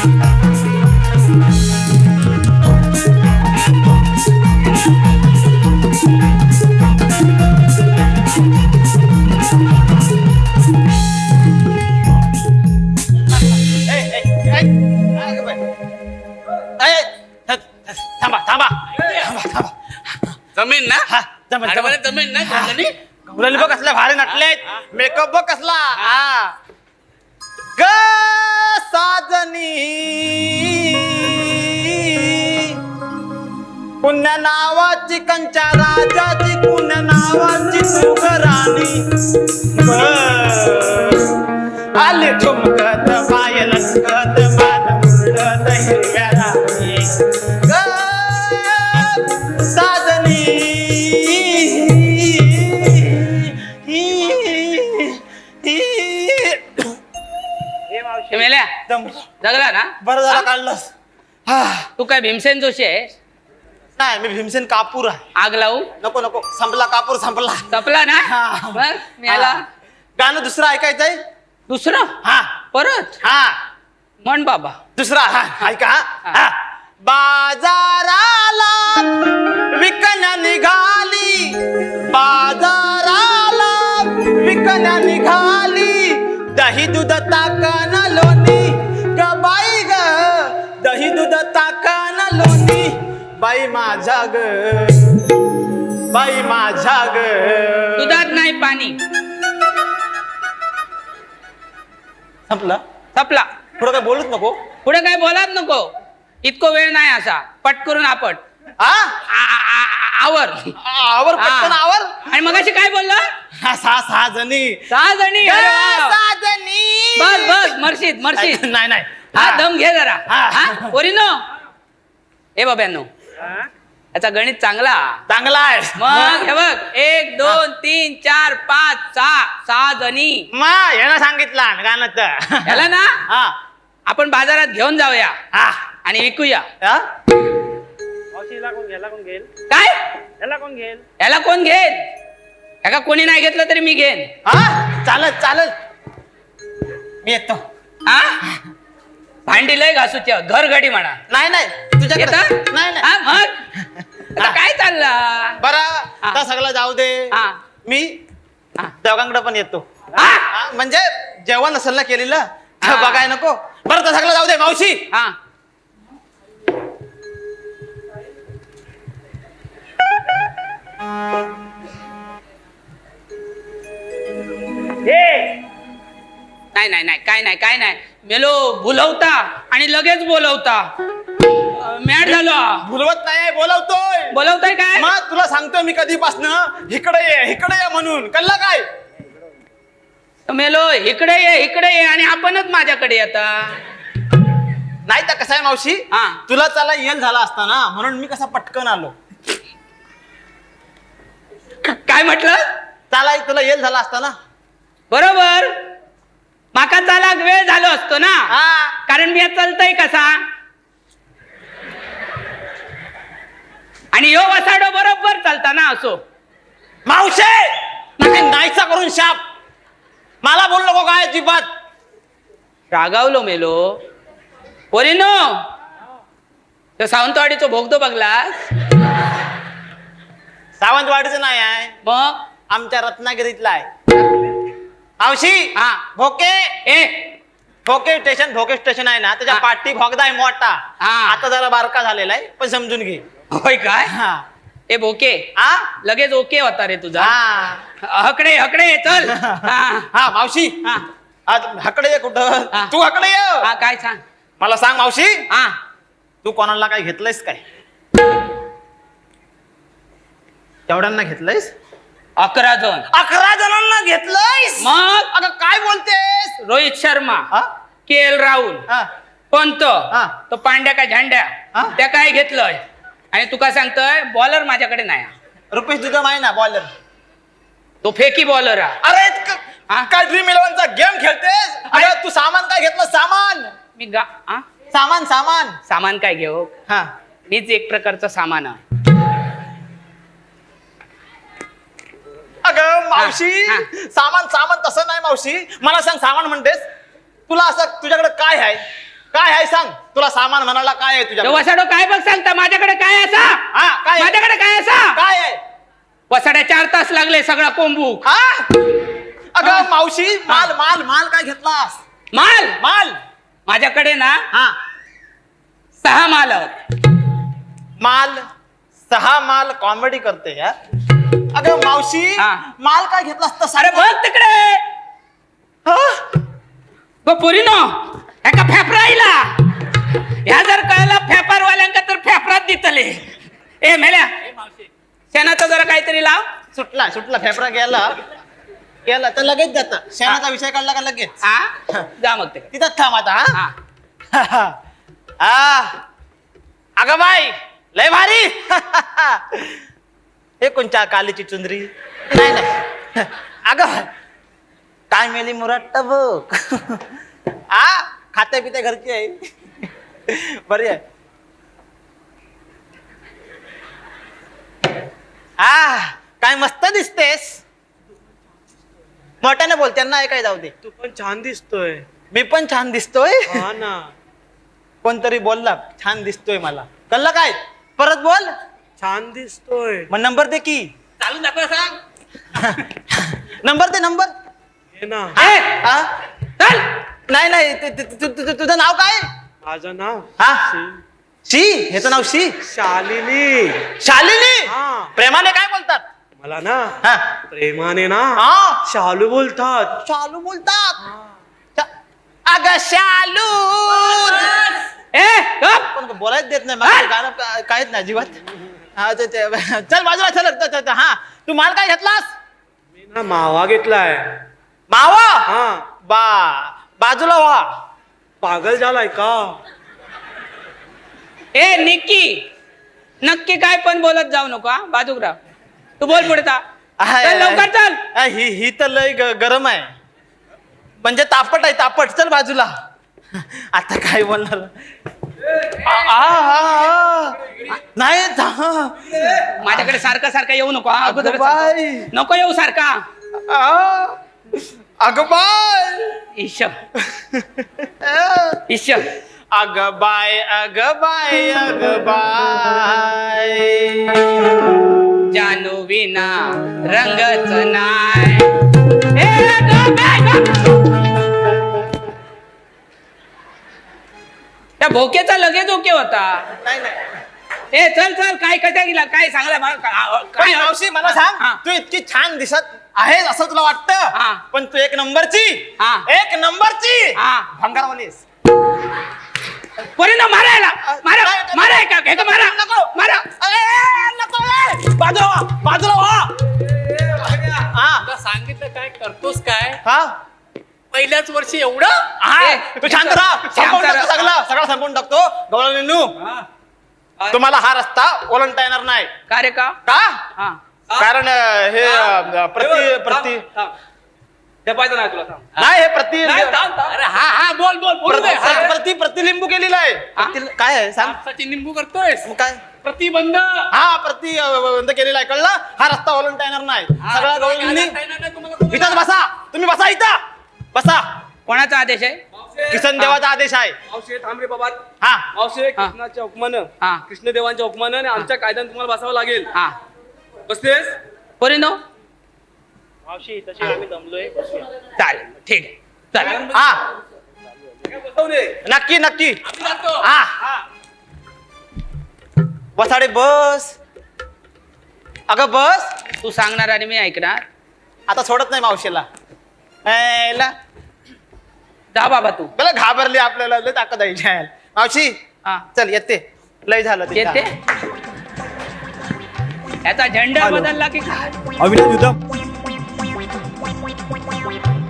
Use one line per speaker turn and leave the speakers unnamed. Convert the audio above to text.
थांबा थांबा
जमीन ना
जमीन
ना गगनी
गौराली बघ कसल्या भारी नटलेत मेकअप बघ कसला ग साजनी पुण्य नावाची कंच्या राजाची पुण्य नावाची सुगराणी आली ठुमकत पाय लचकत मान मुरडत हिरव्या राणी ग साजनी
मेल्या जगला ना
बरं झालं काढलंस
तू काय भीमसेन जोशी आहे
नाही मी भीमसेन कापूर आहे
आग लावू
नको नको संपला कापूर संपला
तपला ना
हा.
बघ मेला
गाणं दुसरं ऐकायचंय
दुसरं
हा
परत
हा
म्हण बाबा
दुसरा हा ऐका हा बाजाराला विकण्या निघाली बाजाराला विकण्या निघाली दही दूध ताकन लोणी ग बाई ग दही दूध ताकन लोणी बाई माझा ग बाई माझा ग
दुधात नाही पाणी
संपलं
तपला
पुढं काय बोलूच नको
पुढे काय बोलात नको इतको वेळ नाही असा पट करून आपट आवर
आवर पटकन आवर
आणि मगाशी काय बोलला
सहा जणी
6 जणी अरे वा.
6 जणी
बस बस मर्शीद मर्शीद
नाही नाही
हा दम घे जरा
हा.
पोरीनो ए बाब्यानो याचा गणित चांगला
चांगला आहे
मग हे बघ 1 2 3 4 5 6 जणी
मग यानं सांगितलं गाणं तर
याला ना
हा
आपण बाजारात घेऊन जाऊया
हा
आणि विकूया
हा?
काय याला कोण घेईल याला कोणी नाही घेतलं तरी मी घेईन
हा चालत चालत मी येतो
हा भांडी लय घासूच्या घर घडी म्हणा
नाही नाही तुझ्याकडे
येतं?
नाही नाही
हा, मग आता काय चाललं
बरं आता सगळं जाऊ दे
हा.
मी
हा.
दोघांकडे पण येतो
हा?
हा, म्हणजे जेवण असेल ना केलेलं ते
हा.
बघाय नको बरं तर सगळं जाऊ दे मावशी
हा नाही नाही नाही काय नाही मेलो बोलवता आणि लगेच बोलवता मॅड झालो
भुलवत नाही बोलवतोय
बोलवताय काय
मग तुला सांगतोय मी कधीपासनं इकडे ये म्हणून कळलं काय
मेलो इकडे ये आणि आपणच माझ्याकडे येता
नाही तर कसं आहे मावशी
हा.
तुला त्याला येल झाला असता ना म्हणून मी कसा पटकन आलो
काय म्हटलं
त्याला तुला येल झाला असता ना
बरोबर माका चालाक वेळ झालो असतो ना
हा
कारण मी चालतय कसा आणि यो वसाडो बरोबर चालता ना असो
मावशे नाहीसा करून शाप मला बोल नको काय अजिबात
रागावलो मेलो पोरीनो तो सावंतवाडीचो भोगतो बघलास
सावंतवाडीचं नाही आहे
मग
आमच्या रत्नागिरीतला आहे मावशी
हा.
भोके स्टेशन आहे ना त्याच्या पाठी भोगदा आहे मोठा
हा.
आता जरा बारका झालेला आहे पण समजून घे
होय काय
हा
ए भोके
हा
लगेच ओके होता रे तुझा
हा
हकडे चल हा
हा मावशी
हा
आज हकडे ये कुठं
हा.
तू हकडे ये
हा, काय सांग
मला सांग मावशी
हा
तू कोणाला काय घेतलंयस काय तेवढ्यांना घेतलंयस
11 जण
11 जणांना घेतलंयस
मग
अगं काय बोलतेस
रोहित शर्मा
हा?
के.एल. राहुल
हा.
पंत
हा.
तो पांड्या का झंड्या
हा?
त्या काय घेतलंय आणि तू काय सांगतोय बॉलर माझ्याकडे नाही
रुपेश दुधम आहे ना बॉलर
तो फेकी बॉलर हा
अरे
हा?
काय ड्रीम इलेव्हनचा गेम खेळतेस अरे तू सामान काय घेतलं सामान
मी हा?
सामान
सामान काय घेऊ
हा
मीच एक प्रकारचं सामान आहे.
अगं मावशी
हा.
सामान तसं नाही मावशी मला सांग सामान म्हणतेस तुला असं तुझ्याकडे काय आहे सांग तुला सामान म्हणाला काय आहे तुझ्या
वसाडो काय बघ सांगता माझ्याकडे काय असा
हा काय आहे?
माझ्याकडे काय असा
काय आहे
वसाड्या 4 तास लागले सगळा कोंबू
हा अगं मावशी माल माल माल काय घेतलास
माल
माल
माझ्याकडे ना
हा
6 माल आहेत.
माल 6 माल कॉमेडी करते यार अगं मावशी
हा.
माल काय घेतलास तर
अरे बघ तिकडे बघ पोरीनो एका फेफराईला ह्या जर कळला फेफारवाल्यांका तर फेफरात दितले ए मेल्या शेणाचं जरा काहीतरी लाव
सुटला सुटला फेफरा गेला तर लगेच जात शेणाचा विषय काढला का लगेच
हा जा मग ते
तिथंच थांब आता
हा
हा अगं बाई लय भारी हे कोणच्या कालीची चुंदरी नाही नाही अगं काय मेली मुराट्ट बघ हा खाते पिते घरची आहे बरी आहे हा काय मस्त दिसतेस मोठ्याने बोल त्यांना ऐकाय जाऊ दे
तू पण छान दिसतोय
मी पण छान दिसतोय
हा ना
कोणतरी बोलला छान दिसतोय मला कळलं काय परत बोल
छान दिसतोय
मग नंबर दे की
चालून दाखव सांग
नंबर दे नंबर
हे ना
ए,
हा?
चल
नाही नाही तुझं नाव काय
माझं नाव
हा शी ह्याचं नाव शी
शालिनी
शालिनी
हा.
प्रेमाने काय बोलतात
मला ना
हा
प्रेमाने ना
हा
शालू बोलतात
शालू बोलतात अगं शालू
ए गप.
पण बोलायच देत नाही मला गाणं काहीच नाही अजिबात हा चल बाजूला चल हा तू माल काय घेतलास
मी ना मावा घेतलाय
मावा
हा
बाजूला व्हा
पागल झालाय का
ए निक्की नक्की काय पण बोलत जाऊ नको हा बाजूकराव तू बोल पुढे चल लवकर चल
ही तर लय गरम आहे म्हणजे तापट आहे तापट चल बाजूला आता काय बोलणार नाही
माझ्याकडे सारखं सारखं येऊ नको हा अगोदर
बाई.
नको येऊ सारखा
अगं बाय
ईश ईश
अगं बाय अगं बाय अगं बाय
जानू विना रंगच नाय ए गप, ए गप. त्या भोक्याचा लगेच ओके होता
नाही नाही
ए चल चल काय कशा गेला काय सांगला मला
काय मावशी मला सांग
हा.
तू इतकी छान दिसत आहेस असं तुला
हा.
वाटतं पण तू एक नंबरची
हा.
एक नंबरची
हा.
भंगारवालीस
परिणाम मारायला मारा
काय-
माराय का हे का मारा
नको.
मारा
नको बाजूला व्हा, बाजूला व्हा. हा
तुला सांगितलं काय करतोस काय
हा
पहिल्याच वर्षी एवढं
हा
ए,
तू शांत राहा संपवून
शांत
टाकतो
राहा.
सगळं संपवून टाकतो गवळणू तुम्हाला हा रस्ता ओलांडता येणार नाही
का रे का
का
हा
कारण हे प्रति
जपायचं नाही तुला थांब
नाही हे प्रति
अरे हा हा बोल बोल बोलू दे हा.
प्रतिलिंबू केलेलं आहे काय आहे सांग
माणसाची निंबू करतोयस
मग काय
प्रतिबंध
हा बंद केलेला आहे कळलं हा रस्ता ओलांडता येणार नाही सगळ्या गवळणी इथंच बसा तुम्ही बसा इथं बसा
कोणाचा आदेश आहे
किसन देवाचा आदेश आहे
मावशे थांब रे बाबा
हा
मावशे कृष्णाच्या हुकमानं
हा.
कृष्णदेवांच्या हुकमानं आणि आमच्या कायद्याने तुम्हाला बसावं लागेल
हा
बसतेस
परिणाम
मावशी तशी आम्ही जमलोय
चालेल ठीक आहे चल
हा
बसवू दे
नक्की नक्की
आम्ही जातो
हा बसाडे बस अगं बस
तू सांगणार आणि मी ऐकणार
आता सोडत नाही मावशीला यायला.
जा बाबा तू
बला घाबरली आपल्याला लय ताकद आहे जायला. मावशी
हा
चल येते लय झालं तिथं.
येते याचा झेंडा बदलला की काय
अविनाश उद्धव